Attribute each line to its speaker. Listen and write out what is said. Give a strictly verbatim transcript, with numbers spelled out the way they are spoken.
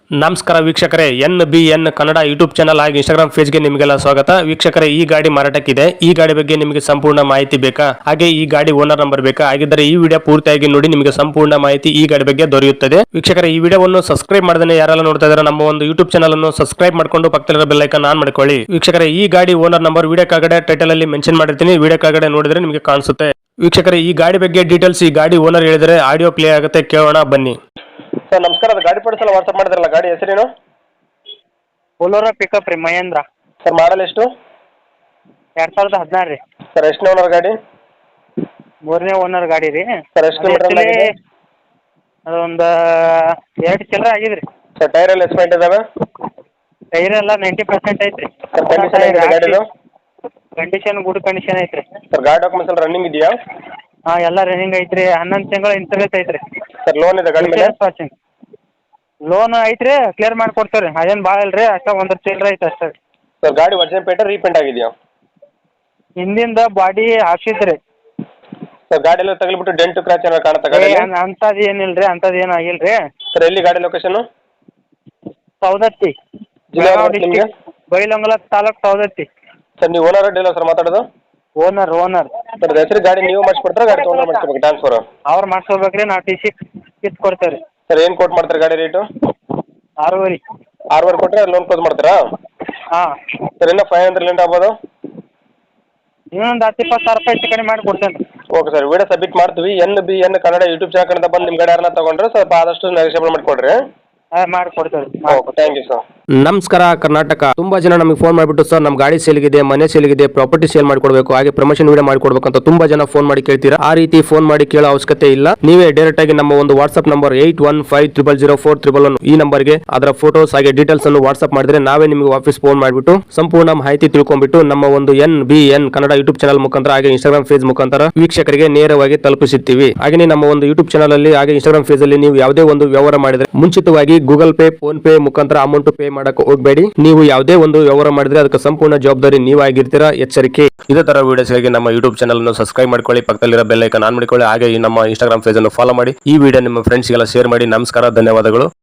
Speaker 1: ನಮಸ್ಕಾರ ವೀಕ್ಷಕರೇ, N B N Kannada YouTube channel ಹಾಗೂ ಇನ್ಸ್ಟಾಗ್ರಾಮ್ ಪೇಜ್ಗೆ ನಿಮಗೆಲ್ಲ ಸ್ವಾಗತ. ವೀಕ್ಷಕರೇ, ಈ ಗಾಡಿ ಮಾರಾಟಕ್ಕಿದೆ. ಈ ಗಾಡಿ ಬಗ್ಗೆ ನಿಮಗೆ ಸಂಪೂರ್ಣ ಮಾಹಿತಿ ಬೇಕಾ? ಹಾಗೆ ಈ ಗಾಡಿ ಓನರ್ ನಂಬರ್ ಬೇಕಾ? ಹಾಗಿದ್ದರೆ ಈ ವಿಡಿಯೋ ಪೂರ್ತಿಯಾಗಿ ನೋಡಿ, ನಿಮಗೆ ಸಂಪೂರ್ಣ ಮಾಹಿತಿ ಈ ಗಾಡಿ ಬಗ್ಗೆ ದೊರೆಯುತ್ತದೆ. ವೀಕ್ಷಕರೇ, ಈ ವಿಡಿಯೋವನ್ನು ಸಬ್ಸ್ಕ್ರೈಬ್ ಮಾಡದೇ ಯಾರೆಲ್ಲ ನೋಡ್ತಾ ಇದ್ದಾರೆ ನಮ್ಮ ಒಂದು ಯೂಟ್ಯೂಬ್ ಚಾನಲ್ ಅನ್ನು ಸಬ್ಸ್ಕ್ರೈಬ್ ಮಾಡ್ಕೊಂಡು ಪಕ್ಕದಲ್ಲಿರೋ ಬೆಲ್ ಐಕಾನ್ ಆನ್ ಮಾಡ್ಕೊಳ್ಳಿ. ವೀಕ್ಷಕರೇ, ಈ ಗಾಡಿ ಓನರ್ ನಂಬರ್ ವಿಡಿಯೋ ಕೆಳಗಡೆ ಟೈಟಲ್ ಅಲ್ಲಿ ಮೆನ್ಷನ್ ಮಾಡಿರ್ತೀನಿ, ವಿಡಿಯೋ ಕೆಳಗಡೆ ನೋಡಿದ್ರೆ ನಿಮಗೆ ಕಾಣಿಸುತ್ತೆ. ವೀಕ್ಷಕರೇ, ಈ ಗಾಡಿ ಬಗ್ಗೆ ಡೀಟೇಲ್ಸ್ ಈ ಗಾಡಿ ಓನರ್ ಹೇಳಿದರೆ ಆಡಿಯೋ ಪ್ಲೇ ಆಗುತ್ತೆ, ಕೇಳೋಣ ಬನ್ನಿ. ಸರ್ ನಮಸ್ಕಾರ, ಅದು ಗಾಡಿ ಪಡಿಸಲ್ಲ ವಾಟ್ಸಪ್ ಮಾಡಿದ್ರಲ್ಲ, ಗಾಡಿ ಹೆಸರೇನು?
Speaker 2: ಬೊಲೊರೋ ಪಿಕಪ್ ರೀ, ಮಹೇಂದ್ರ.
Speaker 1: ಸರ್ ಮಾಡಲ್ ಎಷ್ಟು?
Speaker 2: ಎರಡು ಸಾವಿರದ ಹದಿನಾರು ರೀ.
Speaker 1: ಸರ್ ಎಷ್ಟನೇ ಓನರ್ ಗಾಡಿ?
Speaker 2: ಮೂರನೇ ಓನರ್ ಗಾಡಿ ರೀ.
Speaker 1: ಸರ್ ಎಷ್ಟು ಕಿಲೋಮೀಟರ್ ಆಗಿದೆ?
Speaker 2: ಅದೊಂದು ಎರಡು ಚಿಲ್ಲರೆ ಆಗಿದೆ ರೀ.
Speaker 1: ಸರ್ ಟೈರ್ ಎಲ್ಲ ಎಸ್ಪೆಂಟ್ ಇದಾವೆ?
Speaker 2: ಟೈರ್ ಎಲ್ಲ ನೈಂಟಿ ಪರ್ಸೆಂಟ್ ಐತೆ ರೀ.
Speaker 1: ಸರ್ ಕಂಡೀಷನ್ ಇದೆ ಗಾಡಿದು?
Speaker 2: ಕಂಡೀಷನ್ ಗುಡ್ ಕಂಡೀಷನ್ ಐತೆ ರೀ.
Speaker 1: ಸರ್ ಗಾಡಿ ಡಾಕ್ಯುಮೆಂಟ್ಸ್ ಎಲ್ಲ ರನ್ನಿಂಗ್ ಇದೆಯಾ?
Speaker 2: ಹಾಂ, ಎಲ್ಲ ರನ್ನಿಂಗ್ ಐತೆ ರೀ. ಹನ್ನೊಂದು ತಿಂಗಳ ಇನ್ಸೂರೆನ್ಸ್ ಐತೆ ರೀ.
Speaker 1: ಸರ್ ಲೋನ್ ಇದೆ ಗಾಡಿ ಮೇಲೆ?
Speaker 2: ವಾಚಿಂಗ್ ಲೋನ್ ಐತೆ ರೀ, ಕ್ಲಿಯರ್ ಮಾಡಿಕೊಡ್ತೇವೆ ರೀ. ಅದೇನು ಭಾಳ ಇಲ್ಲ ರೀ, ಅಷ್ಟೇ ಒಂದು ಚಿಲ್ಲರೆ ಐತೆ ಅಷ್ಟೇ.
Speaker 1: ಸರ್ ಗಾಡಿ ಒರಿಜಿನಲ್ ಪೇಂಟ್ ರೀಪೇಂಟ್ ಆಗಿದೆಯಾ?
Speaker 2: ಹಿಂದಿಂದ ಬಾಡಿ ಹಾಕ್ಸಿದ್ರಿ.
Speaker 1: ಸರ್ ಗಾಡಿ ಎಲ್ಲ ತಗಲಿಬಿಟ್ಟು ಡೆಂಟು ಕ್ರಾಚ್ ಏನಾರು ಕಾಣುತ್ತಾ ಗಾಡಿ?
Speaker 2: ಅಂಥದ್ದು ಏನಿಲ್ಲ ರೀ, ಅಂಥದ್ದು ಏನು ಆಗಿಲ್ಲ ರೀ.
Speaker 1: ಸರ್ ಎಲ್ಲಿ ಗಾಡಿ ಲೊಕೇಶನ್?
Speaker 2: ಸೌದತ್ತಿ,
Speaker 1: ಜಿಲ್ಲಾ ನಿಮಗೆ?
Speaker 2: ಬೈಲಹೊಂಗಲ ತಾಲೂಕು, ಸೌದತ್ತಿ.
Speaker 1: ಸರ್ ನೀವು ಓನರ್ ಡೀಲರ್ ಸರ್ ಮಾತಾಡೋದು?
Speaker 2: ಓನರ್ ಓನರ್
Speaker 1: ಸರ್ ಹೆಸರು ಗಾಡಿ ನೀವು ಮಾಡಿಸ್ಕೊಡ್ತಾರೆ, ಗಾಡಿ ತೊಗೊಂಡು ಮಾಡಿಸ್ಕೋಬೇಕು ಟ್ರಾನ್ಸ್ಫರ್?
Speaker 2: ಅವ್ರು ಮಾಡಿಸ್ಕೋಬೇಕು ರೀ, ನಾವು ಟಿ ಸಿ ಕಿತ್ತು ಕೊಡ್ತೇವೆ ರೀ.
Speaker 1: ಸರ್ ಏನು ಕೋಟ್ ಮಾಡ್ತಾರೆ ಗಾಡಿ ರೇಟು?
Speaker 2: ಆರೂವರೆ.
Speaker 1: ಆರೂವರೆ ಕೊಟ್ಟರೆ ಲೋನ್ ಕ್ಲೋಸ್ ಮಾಡ್ತೀರಾ?
Speaker 2: ಹಾಂ.
Speaker 1: ಸರ್ ಇನ್ನೂ ಫೈವ್ ಹಂಡ್ರೆಡ್ ಲೆಂಟ್ ಆಗ್ಬೋದು?
Speaker 2: ಇನ್ನೊಂದು ಹತ್ತು ಇಪ್ಪತ್ತು ಸಾವಿರ ರೂಪಾಯಿ ಹೆಚ್ಚು ಕಡಿಮೆ ಮಾಡಿ ಕೊಡ್ತೇನೆ ರೀ.
Speaker 1: ಓಕೆ ಸರ್, ವಿಡಿಯೋ ಸಬ್ಮಿಟ್ ಮಾಡ್ತೀವಿ. N B N Kannada YouTube channel ಕಡೆಯಿಂದ ಬಂದು ನಿಮ್ಮ ಗಾಡಿ ಯಾರನ್ನ ತೊಗೊಂಡ್ರೆ ಸ್ವಲ್ಪ ಆದಷ್ಟು ನೆಗೋಷಿಯೇಬಲ್ ಮಾಡಿಕೊಡ್ರಿ.
Speaker 2: ಹಾಂ, ಮಾಡಿ ಕೊಡ್ತೇವೆ ರೀ.
Speaker 1: Okay, thank you sir.
Speaker 3: ನಮಸ್ಕಾರ ಕರ್ನಾಟಕ. ತುಂಬಾ ಜನ ನಮಗೆ ಫೋನ್ ಮಾಡಿಬಿಟ್ಟು ಸರ್ ನಮ್ಮ ಗಾಡಿ ಸೇಲ್ಗಿದೆ, ಮನೆ ಸೇಲ್ಗಿದೆ, ಪ್ರಾಪರ್ಟಿ ಸೇಲ್ ಮಾಡ್ಕೊಡ್ಬೇಕು, ಹಾಗೆ ಪ್ರಮೋಷನ್ ವಿಡಿಯೋ ಮಾಡ್ಕೊಡ್ಬೇಕು ಅಂತ ತುಂಬಾ ಜನ ಫೋನ್ ಮಾಡಿ ಕೇಳ್ತೀರಾ. ಆ ರೀತಿ ಫೋನ್ ಮಾಡಿ ಕೇಳೋ ಅವಶ್ಯಕತೆ ಇಲ್ಲ. ನೀವೇ ಡೈರೆಕ್ಟ್ ಆಗಿ ನಮ್ಮ ಒಂದು WhatsApp number eight one five triple zero four triple one ಈ ನಂಬರ್ಗೆ ಅದರ ಫೋಟೋಸ್ ಹಾಗೆ ಡೀಟೇಲ್ಸ್ ಅನ್ನು ವಾಟ್ಸ್ಆಪ್ ಮಾಡಿದ್ರೆ ನಾವೇ ನಿಮಗೆ ವಾಪಸ್ ಫೋನ್ ಮಾಡಿಬಿಟ್ಟು ಸಂಪೂರ್ಣ ಮಾಹಿತಿ ತಿಳ್ಕೊಂಡ್ಬಿಟ್ಟು ನಮ್ಮ ಒಂದು N B N Kannada YouTube channel ಮುಖಾಂತರ ಹಾಗೆ ಇನ್ಸ್ಟಾಗ್ರಾಮ್ ಪೇಜ್ ಮುಖಾಂತರ ವೀಕ್ಷಕರಿಗೆ ನೇರವಾಗಿ ತಲುಪಿಸುತ್ತೀವಿ. ಹಾಗೆ ನಮ್ಮ ಒಂದು ಯೂಟ್ಯೂಬ್ ಚಾನಲ್ ಅಲ್ಲಿ ಹಾಗೆ ಇನ್ಸ್ಟಾಗ್ರಾಮ್ ಪೇಜ್ ಅಲ್ಲಿ ನೀವು ಯಾವುದೇ ಒಂದು ವ್ಯವಹಾರ ಮಾಡಿದ್ರೆ ಮುಂಚಿತವಾಗಿ ಗೂಗಲ್ ಪೇ, ಫೋನ್ ಪೇ ಮುಖಾಂತರ ಅಮೌಂಟ್ ಪೇ ಮಾಡಕ್ಕೆ ಹೋಗಬೇಡಿ. ನೀವು ಯಾವುದೇ ಒಂದು ವ್ಯವಹಾರ ಮಾಡಿದ್ರೆ ಅದಕ್ಕೆ ಸಂಪೂರ್ಣ ಜವಾಬ್ದಾರಿ ನೀವಾಗಿರ್ತೀರಾ, ಎಚ್ಚರಿಕೆ. ಇದೇ ತರ ವಿಡಿಯೋಸ್ಗಾಗಿ ನಮ್ಮ ಯೂಟ್ಯೂಬ್ ಚಾನಲ್ ಅನ್ನು ಸಬ್ಸ್ಕ್ರೈಬ್ ಮಾಡ್ಕೊಳ್ಳಿ, ಪಕ್ಕದಲ್ಲಿರೋ ಬೆಲ್ ಐಕಾನ್ ಆನ್ ಮಾಡಿಕೊಳ್ಳಿ, ಹಾಗೆ ನಮ್ಮ ಇನ್ಸ್ಟಾಗ್ರಾಮ್ ಪೇಜ್ ಅನ್ನು ಫಾಲೋ ಮಾಡಿ. ಈ ವಿಡಿಯೋ ನಿಮ್ಮ ಫ್ರೆಂಡ್ಸ್ಗೆಲ್ಲ ಶೇರ್ ಮಾಡಿ. ನಮಸ್ಕಾರ, ಧನ್ಯವಾದಗಳು.